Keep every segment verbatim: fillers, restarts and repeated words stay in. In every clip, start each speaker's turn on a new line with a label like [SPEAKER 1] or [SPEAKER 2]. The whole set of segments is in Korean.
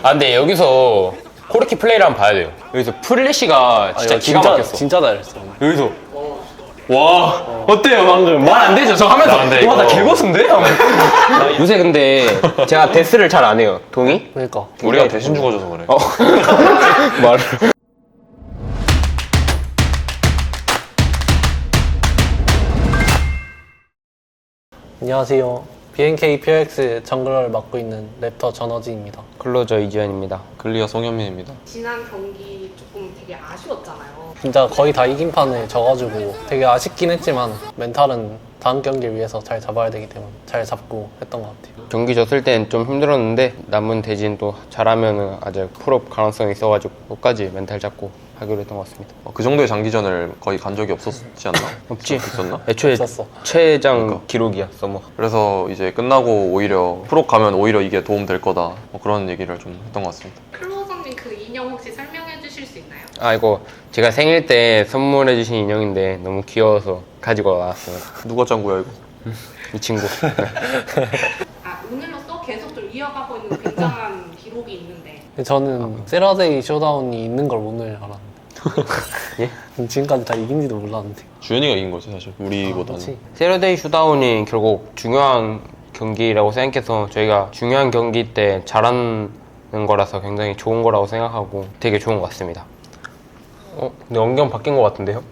[SPEAKER 1] 아 근데 여기서 코르키 플레이를 한번 봐야 돼요. 여기서 플래시가 진짜
[SPEAKER 2] 아,
[SPEAKER 1] 기가
[SPEAKER 2] 진짜,
[SPEAKER 1] 막혔어.
[SPEAKER 2] 진짜 잘했어.
[SPEAKER 1] 여기서 와 어. 어때요 방금? 말 안 되죠? 저 하면서 와 나 개고수인데? 요새 근데 제가 데스를 잘 안 해요. 동의?
[SPEAKER 2] 그러니까.
[SPEAKER 3] 우리가 대신 죽어줘서 그래.
[SPEAKER 1] 어. 말을.
[SPEAKER 2] 안녕하세요. 비엔케이 퓨엑스 정글을 맡고 있는 랩터 전어진입니다.
[SPEAKER 1] 클로저 이지현입니다.
[SPEAKER 3] 글리어 송현민입니다.
[SPEAKER 4] 지난 경기 조금 되게 아쉬웠잖아요.
[SPEAKER 2] 진짜 거의 다 이긴 판을 져가지고 되게 아쉽긴 했지만 멘탈은 다음 경기를 위해서 잘 잡아야 되기 때문에 잘 잡고 했던 것 같아요.
[SPEAKER 1] 경기 졌을 땐 좀 힘들었는데 남은 대진 또 잘하면은 아직 풀업 가능성이 있어가지고 끝까지 멘탈 잡고 하기로 했던 것 같습니다.
[SPEAKER 3] 어, 그 정도의 장기전을 거의 간 적이 없었지 않나?
[SPEAKER 1] 없지?
[SPEAKER 3] 있었나?
[SPEAKER 1] 애초에
[SPEAKER 2] 없었어.
[SPEAKER 1] 최장
[SPEAKER 3] 그러니까.
[SPEAKER 1] 기록이야 서머.
[SPEAKER 3] 그래서 이제 끝나고 오히려 프로 가면 오히려 이게 도움 될 거다. 뭐 그런 얘기를 좀 했던 것 같습니다.
[SPEAKER 4] 클로저님 그 인형 혹시 설명해 주실 수 있나요?
[SPEAKER 1] 아 이거 제가 생일 때 선물해 주신 인형인데 너무 귀여워서 가지고 왔어요.
[SPEAKER 3] 누가 짱구야 이거?
[SPEAKER 1] 이 친구.
[SPEAKER 4] 아, 오늘로써 계속 좀 이어가고 있는 굉장한 기록이 있는데
[SPEAKER 2] 근데 저는 세라데이 쇼다운이 있는 걸 오늘 알았는데.
[SPEAKER 1] 예?
[SPEAKER 2] 지금까지 다 이긴지도 몰랐는데.
[SPEAKER 3] 주현이가 이긴 거지 사실 우리보다는.
[SPEAKER 2] 그렇지.
[SPEAKER 1] 세러데이 슈다운이 결국 중요한 경기라고 생각해서 저희가 중요한 경기 때 잘하는 거라서 굉장히 좋은 거라고 생각하고 되게 좋은 것 같습니다. 어? 근데 안경 바뀐 것 같은데요?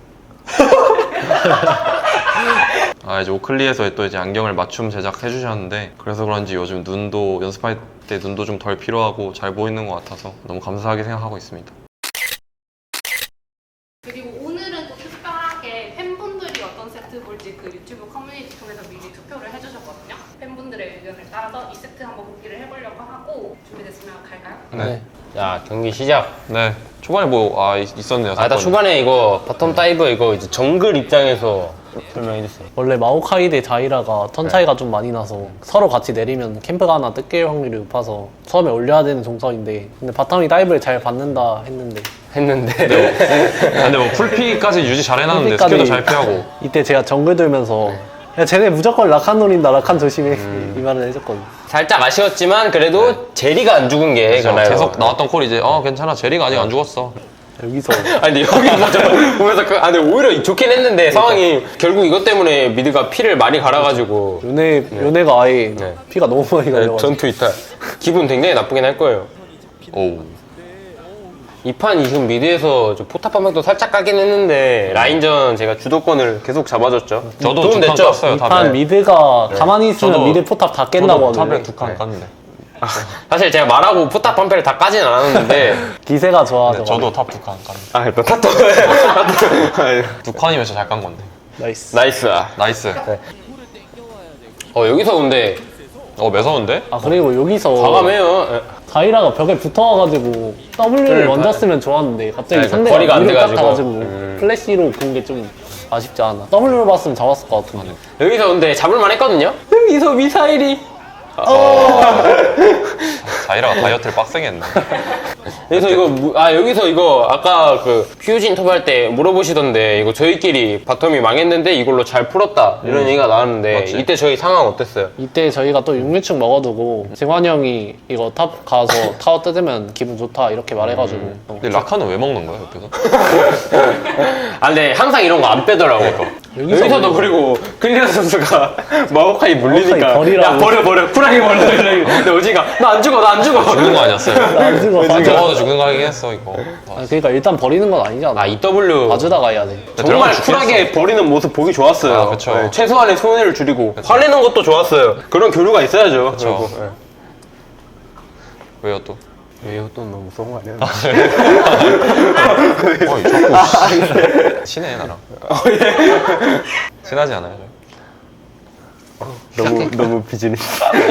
[SPEAKER 3] 아 이제 오클리에서 또 이제 안경을 맞춤 제작해 주셨는데 그래서 그런지 요즘 눈도 연습할 때 눈도 좀 덜 필요하고 잘 보이는 것 같아서 너무 감사하게 생각하고 있습니다.
[SPEAKER 4] 그리고 오늘은 또 특별하게 팬분들이 어떤 세트 볼지 그 유튜브 커뮤니티 통해서 미리 투표를 해주셨거든요. 팬분들의 의견을 따라서 이 세트 한번 보기를 해보려고 하고 준비됐으면 갈까요?
[SPEAKER 2] 네.
[SPEAKER 1] 자 경기 시작.
[SPEAKER 3] 네 초반에 뭐 아 있었네요.
[SPEAKER 1] 아, 나
[SPEAKER 3] 사건이.
[SPEAKER 1] 초반에 이거 바텀 다이브 이거 이제 정글 입장에서 설명해 주세요.
[SPEAKER 2] 원래 마오카이 대 자이라가 턴 차이가 좀 많이 나서 서로 같이 내리면 캠프가 하나 뜯길 확률이 높아서 처음에 올려야 되는 동선인데 근데 바텀이 다이브를 잘 받는다 했는데
[SPEAKER 1] 했는데
[SPEAKER 3] 아, 근데 뭐 풀피까지 유지 잘 해놨는데
[SPEAKER 2] 풀피까지
[SPEAKER 3] 스킬도 잘 피하고.
[SPEAKER 2] 이때 제가 정글 들면서 야 쟤네 무조건 라칸 노린다 라칸 조심해 이 말을 해줬거든요.
[SPEAKER 1] 살짝 아쉬웠지만 그래도 제리가 안 죽은 게
[SPEAKER 3] 그래서
[SPEAKER 1] 그나요?
[SPEAKER 3] 계속 나왔던 콜이 이제 어 괜찮아 제리가 아직 안 죽었어.
[SPEAKER 2] 여기서
[SPEAKER 1] 아니 근데 여기 맞아 보면서 그, 아 근데 오히려 좋긴 했는데 상황이 결국 이것 때문에 미드가 피를 많이 갈아가지고
[SPEAKER 2] 요네, 요네가 아예
[SPEAKER 1] 네.
[SPEAKER 2] 피가 너무 많이 갈려가지고
[SPEAKER 1] 전투 이탈 기분 굉장히 나쁘긴 할 거예요.
[SPEAKER 3] 오.
[SPEAKER 1] 이 판 지금 미드에서 저 포탑 방벽도 살짝 까긴 했는데 라인전 제가 주도권을 계속 잡아줬죠.
[SPEAKER 3] 저도
[SPEAKER 1] 도움
[SPEAKER 3] 두판
[SPEAKER 1] 됐죠?
[SPEAKER 3] 깠어요.
[SPEAKER 2] 이판
[SPEAKER 3] 탑에.
[SPEAKER 2] 미드가 가만히 있으면
[SPEAKER 3] 저도-
[SPEAKER 2] 미드 포탑 다 깬다고
[SPEAKER 3] 탑에
[SPEAKER 2] 하길래
[SPEAKER 3] 두 칸 깠는데.
[SPEAKER 1] 사실 제가 말하고 포탑 방패를 다 까진 않았는데
[SPEAKER 2] 기세가 좋아서
[SPEAKER 3] 네, 저도 탑 두 칸 깠는데.
[SPEAKER 1] 아 일단 탑도
[SPEAKER 3] 두 칸이면 진짜 잘 깐 건데.
[SPEAKER 2] 나이스.
[SPEAKER 1] 나이스.
[SPEAKER 3] 나이스.
[SPEAKER 1] 어 여기서 근데
[SPEAKER 3] 어 매서운데?
[SPEAKER 2] 아 그리고 여기서
[SPEAKER 1] 과감해요.
[SPEAKER 2] 자이라가 벽에 붙어와가지고 W를 먼저 쓰면 좋았는데 갑자기
[SPEAKER 1] 네,
[SPEAKER 2] 상대가
[SPEAKER 1] 거리가 안
[SPEAKER 2] 위로
[SPEAKER 1] 돼가지고.
[SPEAKER 2] 깎아가지고
[SPEAKER 1] 음.
[SPEAKER 2] 플래시로 본 게 좀 아쉽지 않아. W를 봤으면 잡았을 것 같은데.
[SPEAKER 1] 여기서 근데 잡을만 했거든요. 여기서 미사일이
[SPEAKER 3] 자이라가 다이어트를 빡세게 했네.
[SPEAKER 1] 여기서 이거 무- 아 여기서 이거 아까 그 퓨즈 인터뷰 할 때 물어보시던데 이거 저희끼리 바텀이 망했는데 이걸로 잘 풀었다 이런 얘기가 나왔는데
[SPEAKER 3] 맞지.
[SPEAKER 1] 이때 저희 상황 어땠어요?
[SPEAKER 2] 이때 저희가 또 육류축 먹어두고 재환이 형이 이거 탑 가서 타워 뜯으면 기분 좋다 이렇게 말해가지고 어.
[SPEAKER 3] 근데 라카는 왜 먹는 거야 옆에서?
[SPEAKER 1] 아 근데 항상 이런 거 안 빼더라고.
[SPEAKER 2] 여기서
[SPEAKER 1] 여기서도 그리고 클리어 선수가 마오카이 물리니까
[SPEAKER 2] 마오카이 버리라고.
[SPEAKER 1] 야 버려 버려 쿨하게 버려 근데 오지가 나 안 죽어 나 안 죽어
[SPEAKER 3] 죽는 거 아니었어요?
[SPEAKER 2] 안 죽어. 맞아.
[SPEAKER 3] 저거도 죽는 거 하긴 했어 이거.
[SPEAKER 2] 아, 그러니까 일단 버리는 건 아니잖아.
[SPEAKER 1] 아 이더블유
[SPEAKER 2] 봐주다가 해야 돼.
[SPEAKER 1] 정말
[SPEAKER 3] 들어가면
[SPEAKER 1] 쿨하게 버리는 모습 보기 좋았어요.
[SPEAKER 3] 아, 그쵸.
[SPEAKER 1] 네, 최소한의 손해를 줄이고 화내는 것도 좋았어요. 그런 교류가 있어야죠.
[SPEAKER 3] 그쵸.
[SPEAKER 1] 그리고, 네.
[SPEAKER 3] 왜요 또?
[SPEAKER 1] 왜요? 또 너무 무서운 거 아니에요?
[SPEAKER 3] 어 자꾸 친해 나랑. 친하지 않아요?
[SPEAKER 1] 너무 너무 비즈니스.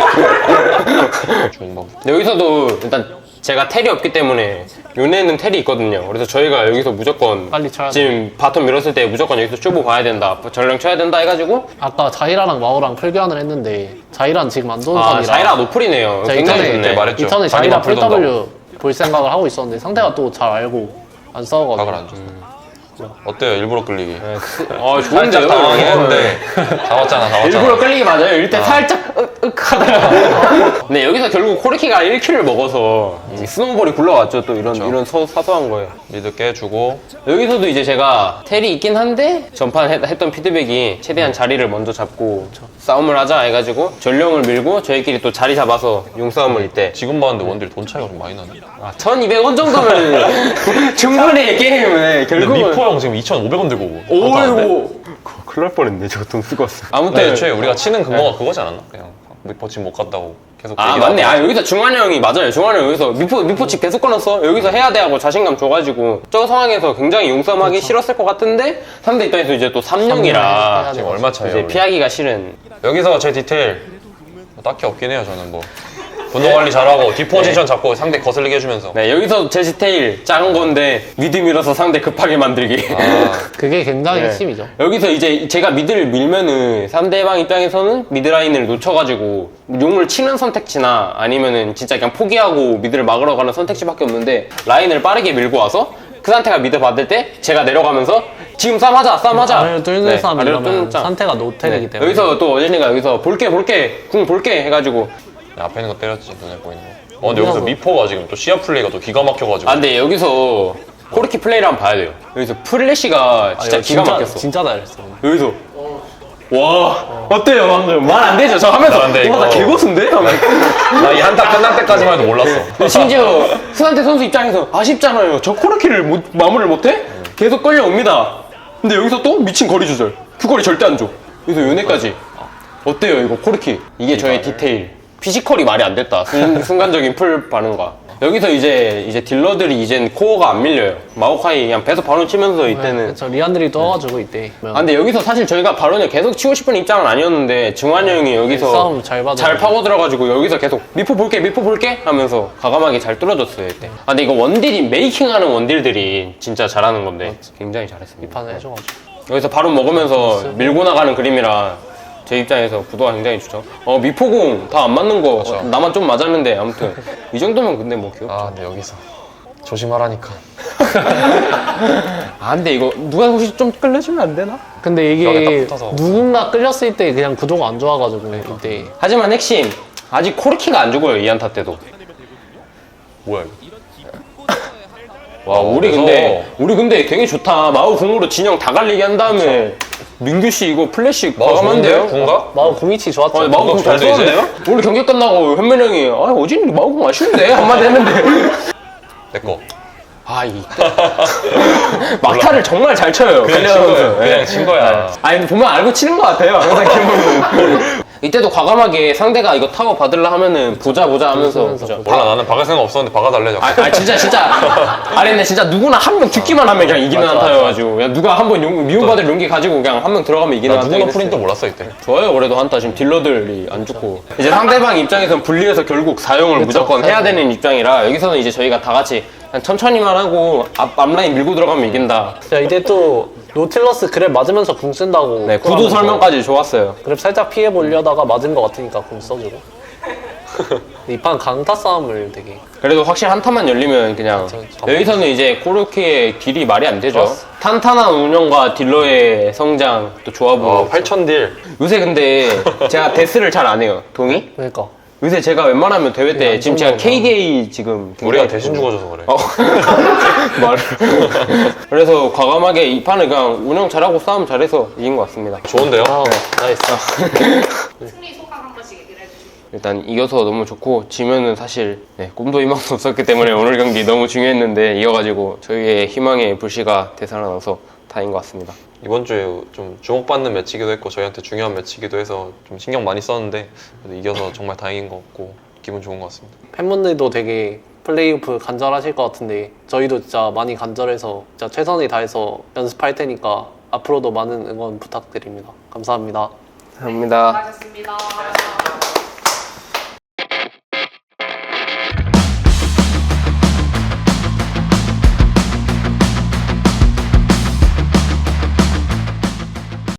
[SPEAKER 3] 좋은 방.
[SPEAKER 1] 여기서도 일단 제가 텔이 없기 때문에 요네는 텔이 있거든요. 그래서 저희가 여기서 무조건
[SPEAKER 2] 빨리 쳐야 돼.
[SPEAKER 1] 지금 바텀 밀었을 때 무조건 여기서 쇼부 봐야 된다, 전령 쳐야 된다 해가지고
[SPEAKER 2] 아까 자이라랑 마오랑 풀교환을 했는데 자이라는 지금 안 좋은
[SPEAKER 1] 아
[SPEAKER 2] 선이라
[SPEAKER 1] 자이라 노플이네요.
[SPEAKER 2] 자,
[SPEAKER 1] 굉장히
[SPEAKER 2] 이전에
[SPEAKER 1] 좋네.
[SPEAKER 3] 말했죠.
[SPEAKER 2] 이전에
[SPEAKER 3] 자기
[SPEAKER 2] 자이라
[SPEAKER 3] 노플
[SPEAKER 2] 풀 W 볼 생각을 하고 있었는데 상대가 또 잘 알고 안 싸워가지고
[SPEAKER 3] 각을 안 줬어. 어때요 일부러 끌리기?
[SPEAKER 1] 아
[SPEAKER 3] 살짝
[SPEAKER 1] 좋은데요?
[SPEAKER 3] 당황했는데 잡았잖아 잡았잖아.
[SPEAKER 1] 일부러 끌리기 맞아요. 일단
[SPEAKER 3] 아.
[SPEAKER 1] 살짝 으, 끄크하다가 네 여기서 결국 코르키가 일 킬을 먹어서 이 스노우볼이 굴러왔죠. 또 이런 이런 소, 사소한 거예요.
[SPEAKER 3] 미드 깨주고
[SPEAKER 1] 여기서도 이제 제가 텔이 있긴 한데 전판 했, 했던 피드백이 최대한 자리를 먼저 잡고 싸움을 하자 해가지고 전령을 밀고 저희끼리 또 자리 잡아서 용싸움을 이때
[SPEAKER 3] 지금 봤는데 원딜 돈 차이가 좀 많이 나네.
[SPEAKER 1] 아, 천이백 원 정도면 충분히 게임을
[SPEAKER 3] 근데
[SPEAKER 1] 결국은
[SPEAKER 3] 미포 형 지금 이천오백 원 들고
[SPEAKER 1] 오이고 그거 큰일 날 뻔했네. 저거 돈 쓰고 왔어. 아무튼
[SPEAKER 3] 근데 애초에 우리가 치는 근거가 그거지 않았나? 그냥 미포 지금 못 갔다고 계속
[SPEAKER 1] 아
[SPEAKER 3] 얘기를
[SPEAKER 1] 맞네.
[SPEAKER 3] 하고.
[SPEAKER 1] 아 여기서 중환이 형이 맞아요. 중환이 형 여기서 미포 미포칩 계속 꺼놨어. 여기서 해야 돼 하고 자신감 줘가지고 저 상황에서 굉장히 용싸움하기 싫었을 것 같은데 상대 입장에서 이제 또 삼 영이라
[SPEAKER 3] 지금 얼마 차이야?
[SPEAKER 1] 이제
[SPEAKER 3] 우리?
[SPEAKER 1] 피하기가 싫은.
[SPEAKER 3] 여기서 제 디테일 뭐 딱히 없긴 해요. 저는 뭐 분노 관리 잘하고 디포지션 잡고 상대 거슬리게 해주면서.
[SPEAKER 1] 네 여기서 제 디테일 작은 건데 미드 밀어서 상대 급하게 만들기.
[SPEAKER 3] 아,
[SPEAKER 2] 그게 굉장히
[SPEAKER 1] 네.
[SPEAKER 2] 핵심이죠.
[SPEAKER 1] 여기서 이제 제가 미드를 밀면은 상대방 입장에서는 미드 라인을 놓쳐가지고 용을 치는 선택지나 아니면은 진짜 그냥 포기하고 미드를 막으러 가는 선택지밖에 없는데 라인을 빠르게 밀고 와서 그 상태가 미드 받을 때 제가 내려가면서 지금 싸움하자 싸움하자
[SPEAKER 2] 아래로 뚫는
[SPEAKER 1] 네,
[SPEAKER 2] 싸움
[SPEAKER 1] 아래로
[SPEAKER 2] 이러면
[SPEAKER 1] 뚫는 싸움.
[SPEAKER 2] 상태가 노텔이기
[SPEAKER 1] 네.
[SPEAKER 2] 때문에
[SPEAKER 1] 여기서 또 어진이가 여기서 볼게 볼게 궁 볼게 해가지고
[SPEAKER 3] 앞에 있는 거 때렸지. 눈에 보이는 거. 어 근데 여기서 미포가 지금 또 시야 플레이가 또 기가 막혀가지고.
[SPEAKER 1] 아 근데 여기서 코르키 플레이를 한번 봐야 돼요. 여기서 플래시가
[SPEAKER 2] 아,
[SPEAKER 1] 진짜
[SPEAKER 2] 이거
[SPEAKER 1] 기가 막혔어.
[SPEAKER 2] 진짜 잘했어.
[SPEAKER 1] 여기서 와 어때요 방금 말 안 되죠? 저 하면서
[SPEAKER 3] 안 돼,
[SPEAKER 1] 와나
[SPEAKER 3] 이거.
[SPEAKER 1] 개고수인데?
[SPEAKER 3] 나 이 한타 끝날 때까지만 해도 몰랐어.
[SPEAKER 1] 심지어 스한테 선수 입장에서 아쉽잖아요. 저 코르키를 못, 마무리를 못해? 계속 끌려옵니다. 근데 여기서 또 미친 거리 조절. 그 거리 절대 안 줘. 여기서 요네까지. 어때요 이거 코르키? 이게 저의 디테일. 피지컬이 말이 안 됐다. 순, 순간적인 풀 반응과. 여기서 이제 이제 딜러들이 이젠 코어가 안 밀려요. 마오카이 그냥 배서 바론 치면서 이때는.
[SPEAKER 2] 저 리안들이 떠가지고 이때
[SPEAKER 1] 아 근데 여기서 사실 저희가 바론을 계속 치고 싶은 입장은 아니었는데 증환이 형이 여기서
[SPEAKER 2] 싸움 잘 받아.
[SPEAKER 1] 잘 파고 들어가지고 여기서 계속 미포 볼게 미포 볼게 하면서 과감하게 잘 뚫어줬어요 이때. 아 근데 이거 원딜이 메이킹하는 원딜들이 진짜 잘하는 건데 굉장히 잘했습니다.
[SPEAKER 2] 판을 해줘가지고
[SPEAKER 1] 여기서 바로 먹으면서 밀고 나가는 그림이라 제 입장에서 구도가 굉장히 좋죠. 어 미포공 다 안 맞는 거 어, 나만 좀 맞았는데 아무튼 이 정도면 근데 뭐 귀엽죠.
[SPEAKER 3] 아 근데 여기서 조심하라니까.
[SPEAKER 1] 아 근데 이거 누가 혹시 좀 끌려주면 안 되나?
[SPEAKER 2] 근데
[SPEAKER 3] 벽에
[SPEAKER 2] 이게
[SPEAKER 3] 딱 붙어서.
[SPEAKER 2] 누군가 끌렸을 때 그냥 구도가 안 좋아가지고 이때
[SPEAKER 1] 하지만 핵심 아직 코르키가 안 죽어요 이 한타 때도.
[SPEAKER 3] 뭐야 이거?
[SPEAKER 1] 와
[SPEAKER 3] 어,
[SPEAKER 1] 우리
[SPEAKER 3] 그래서-
[SPEAKER 1] 근데 우리 근데 되게 좋다. 마우 궁으로 진영 다 갈리게 한 다음에 민규 씨 이거 플래시 과감한데요?
[SPEAKER 3] 군가?
[SPEAKER 2] 마우 공이치 좋았죠.
[SPEAKER 1] 아니, 마우 궁 잘
[SPEAKER 3] 잘 되지?
[SPEAKER 1] 쏘는데요? 오늘 경기 끝나고 현민 형이 아 어진 마우 궁 아쉬운데 한마디 했는데
[SPEAKER 3] 내꺼.
[SPEAKER 1] 아 이 막타를 정말 잘 쳐요.
[SPEAKER 3] 그냥
[SPEAKER 1] 클리어
[SPEAKER 3] 친
[SPEAKER 1] 선수.
[SPEAKER 3] 거야. 그냥
[SPEAKER 1] 네.
[SPEAKER 3] 친 거야.
[SPEAKER 1] 아니 근데 보면 알고 치는 것 같아요. 항상 기분은. 이때도 과감하게 상대가 이거 타워 받으려 하면은 보자 보자 하면서 보자.
[SPEAKER 3] 몰라 나는 박을 생각 없었는데 박아달래 자꾸.
[SPEAKER 1] 아, 아 진짜 진짜 아니 근데 진짜 누구나 한 명 듣기만 하면 그냥 이기는
[SPEAKER 2] 맞아,
[SPEAKER 1] 한타여가지고 그냥 누가 한 번 미움받을 용기 가지고 그냥 한 명 들어가면 이기는
[SPEAKER 3] 나 누구나
[SPEAKER 1] 한타긴
[SPEAKER 3] 프린트
[SPEAKER 1] 했어요.
[SPEAKER 3] 몰랐어 이때.
[SPEAKER 1] 좋아요 그래도 한타 지금 딜러들이 안 죽고 이제 상대방 입장에서는 분리해서 결국 사용을 무조건 해야 되는 입장이라 여기서는 이제 저희가 다 같이 그냥 천천히만 하고 앞, 앞라인 밀고 들어가면 이긴다.
[SPEAKER 2] 자 이때 또 노틸러스 그랩 맞으면서 궁 쓴다고
[SPEAKER 1] 네 구도 설명까지 좋았어요.
[SPEAKER 2] 그랩 살짝 피해 보려다가 맞은 것 같으니까 궁 써주고 이 판 강타 싸움을 되게
[SPEAKER 1] 그래도 확실히 한타만 열리면 그냥
[SPEAKER 2] 저- 저-
[SPEAKER 1] 여기서는 이제 코르키의 딜이 말이 안 되죠.
[SPEAKER 2] 좋았어.
[SPEAKER 1] 탄탄한 운영과 딜러의 성장 또 조합은
[SPEAKER 3] 어 팔천 딜.
[SPEAKER 1] 요새 근데 제가 데스를 잘 안 해요. 동의?
[SPEAKER 2] 그러니까
[SPEAKER 1] 요새 제가 웬만하면 대회 때
[SPEAKER 2] 안
[SPEAKER 1] 지금 제가
[SPEAKER 2] 좋은
[SPEAKER 1] 케이디에이 지금
[SPEAKER 3] 우리가
[SPEAKER 1] 굉장히
[SPEAKER 3] 대신 죽어줘서 그래.
[SPEAKER 1] 어. 말을 그래서 과감하게 이 판을 그냥 운영 잘하고 싸움 잘해서 이긴 것 같습니다.
[SPEAKER 3] 좋은데요?
[SPEAKER 2] 아 나이스
[SPEAKER 4] 승리 소감 한 번씩 얘기를 해주시고.
[SPEAKER 1] 일단 이겨서 너무 좋고 지면은 사실 네, 꿈도 희망도 없었기 때문에 오늘 경기 너무 중요했는데 이겨가지고 저희의 희망의 불씨가 되살아나서 다행인 것 같습니다.
[SPEAKER 3] 이번 주에 좀 주목받는 매치기도 했고 저희한테 중요한 매치기도 해서 좀 신경 많이 썼는데 그래도 이겨서 정말 다행인 것 같고 기분 좋은 것 같습니다.
[SPEAKER 2] 팬분들도 되게 플레이오프 간절하실 것 같은데 저희도 진짜 많이 간절해서 진짜 최선을 다해서 연습할 테니까 앞으로도 많은 응원 부탁드립니다. 감사합니다.
[SPEAKER 1] 감사합니다.
[SPEAKER 4] 수고하셨습니다.